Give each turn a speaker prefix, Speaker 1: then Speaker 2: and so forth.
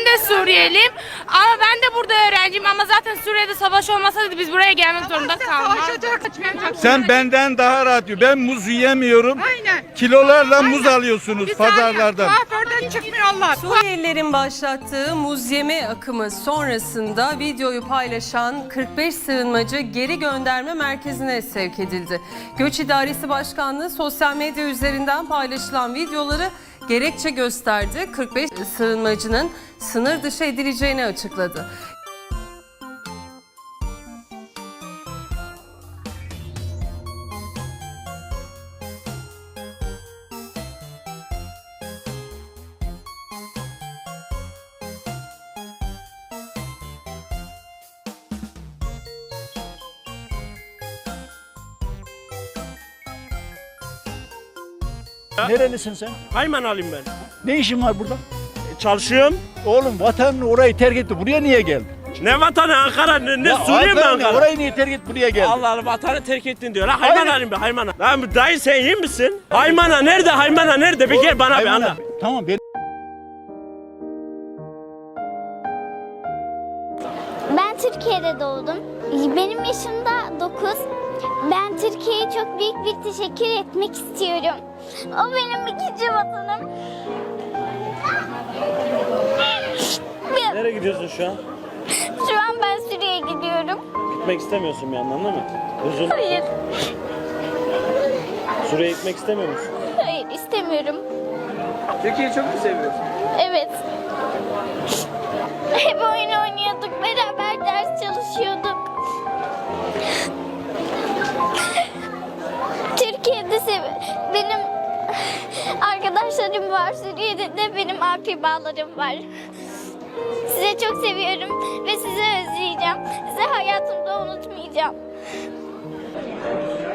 Speaker 1: de Suriyeliyim. Ama ben de burada öğrenciyim. Ama zaten Suriye'de savaş olmasaydı biz buraya gelmek zorunda kalmazdık.
Speaker 2: Sen benden daha rahat yiyor. Ben muz yiyemiyorum.
Speaker 3: Aynen.
Speaker 2: Kilolarla muz alıyorsunuz pazarlardan.
Speaker 3: Kuaförden çıkmıyorlar.
Speaker 4: Suriyelilerin başlattığı muz yeme akımı sonrasında videoyu paylaşan 45 sığınmacı geri gönderme merkezine sevk edildi. Göç İdaresi Başkanlığı sosyal medya üzerinden paylaşılan videoları gerekçe gösterdi. 45 sığınmacının sınır dışı edileceğini açıkladı.
Speaker 5: Nerelisin sen?
Speaker 6: Haymanalıyım ben.
Speaker 5: Ne işin var burada?
Speaker 6: Çalışıyorum.
Speaker 5: Oğlum vatanını orayı terk etti. Buraya niye geldin?
Speaker 6: Ne vatanı Ankara ne
Speaker 5: Ya
Speaker 6: Suriye mi
Speaker 5: vatanını,
Speaker 6: Ankara?
Speaker 5: orayı niye terk et buraya geldin?
Speaker 6: Allah Allah vatanı terk ettin diyor. La Haymanalıyım ben Haymana. Lan dayı sen iyi misin? Haymana nerede? Haymana nerede? Bir gel bana bir
Speaker 5: Hayvan
Speaker 6: anla.
Speaker 5: abi, tamam ben
Speaker 7: Ben Türkiye'de doğdum. Benim yaşım da 9. Ben Türkiye'ye çok büyük bir teşekkür etmek istiyorum. O benim ikinci vatanım.
Speaker 6: Nereye gidiyorsun şu an?
Speaker 7: Şu an ben Suriye'ye gidiyorum.
Speaker 6: Gitmek istemiyorsun bir yandan değil mi? Üzül.
Speaker 7: Hayır,
Speaker 6: Suriye'ye gitmek istemiyor musun?
Speaker 7: hayır istemiyorum.
Speaker 8: Türkiye'yi çok mu seviyorsun?
Speaker 7: Evet. Hep oyun oynuyorduk, beraber ders çalışıyorduk. Türkiye'de benim arkadaşlarım var, Suriye'de de benim akrabalarım var. Sizi çok seviyorum ve sizi özleyeceğim. Sizi hayatımda unutmayacağım.